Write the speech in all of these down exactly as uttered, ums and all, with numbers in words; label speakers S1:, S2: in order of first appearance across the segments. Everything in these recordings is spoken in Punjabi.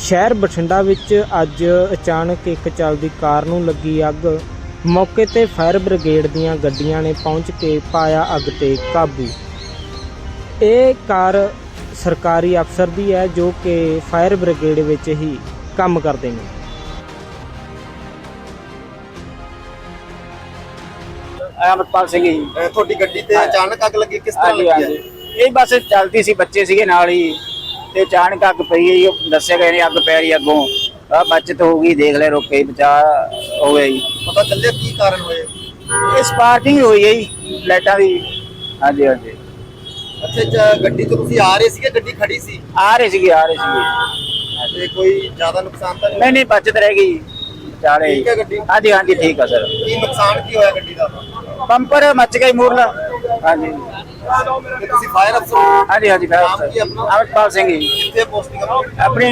S1: शहर बठिंडा विच अज अचानक एक चलदी कार नूं लगी अग। मौके ते फायर ब्रिगेड दीआं गड्डियां ने पहुंच के पाया अग ते काबू। ये कार सरकारी अफसर दी है जो कि फायर ब्रिगेड विच ही काम करते हैं।
S2: अमरपाल सिंह जी
S3: ਤੁਹਾਡੀ ਗੱਡੀ ਤੇ ਅਚਾਨਕ ਅੱਗ ਲੱਗੀ ਕਿਸ ਤਰ੍ਹਾਂ
S2: हाँ जी
S3: ਲੱਗੀ
S2: हाँ
S3: ਹੈ?
S2: जी ये बस चलती सी बच्चे सीगे नाल ही ते अचानक अग पई है जी। दस्से गए ने अग पै रही अगों आ बचत होगी देख ले रोके बचा हो गया जी।
S3: ਪਤਾ ਚੱਲਿਆ ਕੀ ਕਾਰਨ ਹੋਏ?
S2: ये स्पार्किंग हुई है जी लाइटां दी। हाँ जी हाँ जी
S3: ਅੱਛਾ ਜ- ਗੱਡੀ ਤੋਂ ਤੁਸੀਂ ਆ ਰਹੇ ਸੀਗੇ ਗੱਡੀ ਖੜੀ ਸੀ
S2: आ रही सीगी आ रही सीगी
S3: ਤੇ ਕੋਈ ਜ਼ਿਆਦਾ ਨੁਕਸਾਨ ਤਾਂ ਨਹੀਂ
S2: नहीं नहीं बचत रह गई बेचारे।
S3: ठीक है गड्डी?
S2: हाँ जी हाँ जी ठीक है सर।
S3: ਕੀ ਨੁਕਸਾਨ ਕੀ ਹੋਇਆ ਗੱਡੀ ਦਾ?
S2: पंपर मच गई मूरला। हाँ जी
S3: ਤੇ ਤੁਸੀਂ ਫਾਇਰ ਅਫਸਰ ਹੋ?
S2: हाँ जी हाँ जी
S3: नाम की अपना?
S2: अमरपाल सिंह जी
S3: ਕਿੱਥੇ ਪੋਸਟਿੰਗ ਆਪਣੀ?
S2: अपनी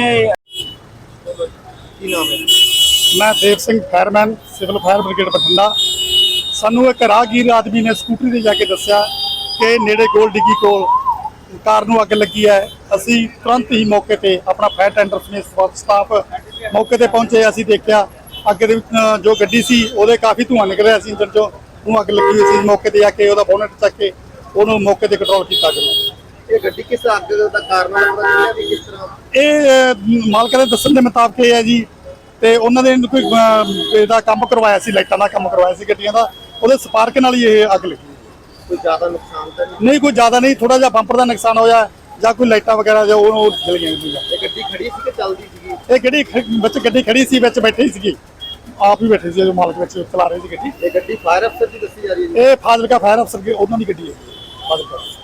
S3: ਕੀ ਨਾਮ ਹੈ?
S4: मैं Dev Singh fireman civil fire brigade Bathinda. सानू एक राहगीर आदमी ने स्कूटरी ते जाके दस्सिया कि नेड़े गोल डिग्गी कोल कार नूं अग लगी है। असी तुरंत ही मौके ते अपना फायर टेंडर समੇਤ स्टाफ मौके ते पहुंचे। असी देखिया अग दे विच जो गड्डी सी ਉਹਦੇ काफ़ी धुआं निकल ਰਿਹਾ ਸੀ। इंजन चों ਉਹਨੂੰ अग लगी हुई सी। मौके ते जाके ਉਹਦਾ ਬੋਨਟ ਚੱਕ ਕੇ ਉਹਨੂੰ ਮੌਕੇ ਤੇ ਕੰਟਰੋਲ ਕੀਤਾ ਗਿਆ।
S3: ਇਹ ਗੱਡੀ ਕਿਸ ਅੱਗ ਦਾ ਕਾਰਨ ਹੈ ਪਤਾ ਚੱਲਿਆ ਵੀ ਕਿਸ ਤਰ੍ਹਾਂ?
S4: ਇਹ ਮਾਲਕਾਂ ਦੇ ਦੱਸਣ ਦੇ ਮੁਤਾਬਕ ਇਹ ਹੈ ਜੀ ਤੇ ਉਹਨਾਂ ਨੇ ਕੋਈ ਅਹ, ਇਹਦਾ ਕੰਮ ਕਰਵਾਇਆ ਸੀ, ਲਾਈਟਾਂ ਦਾ ਕੰਮ ਕਰਵਾਇਆ ਸੀ ਗੱਡੀਆਂ ਦਾ। ਉਹਦੇ ਸਪਾਰਕ ਨਾਲ ਹੀ ਇਹ ਅੱਗ ਲੱਗੀ।
S3: ਕੋਈ ਜ਼ਿਆਦਾ ਨੁਕਸਾਨ ਤਾਂ ਨਹੀਂ?
S4: ਨਹੀਂ ਕੋਈ ਜ਼ਿਆਦਾ ਨਹੀਂ, ਥੋੜਾ ਜਿਹਾ ਬੰਪਰ ਦਾ ਨੁਕਸਾਨ ਹੋਇਆ ਜਾਂ ਕੋਈ ਲਾਈਟਾਂ ਵਗੈਰਾ ਜੋ ਉਹ ਉਹ ਜਲ ਗਈਆਂ ਸੀਗੀਆਂ।
S3: ਇਹ ਗੱਡੀ ਖੜੀ ਸੀ ਕਿ ਚੱਲਦੀ ਸੀਗੀ?
S4: ਇਹ ਗੱਡੀ ਖ- ਵਿੱਚ ਗੱਡੀ ਖੜੀ ਸੀ, ਵਿੱਚ ਬੈਠੀ ਸੀਗੀ, ਆਪ ਹੀ ਬੈਠੇ ਸੀ ਜੋ ਮਾਲਕ ਵਿੱਚ ਚਲਾ ਰਹੇ ਸੀ ਗੱਡੀ।
S3: ਇਹ ਗੱਡੀ ਫਾਇਰ ਅਫਸਰ ਦੀ ਦੱਸੀ ਜਾ ਰਹੀ ਹੈ ਜੀ।
S4: ਇਹ ਫਾਜ਼ਿਲਕਾ ਫਾਇਰ ਅਫਸਰ ਦੀ ਉਹਨਾਂ ਦੀ ਗੱਡੀ ਹੈ ਫਾਜ਼ਿਲਕਾ।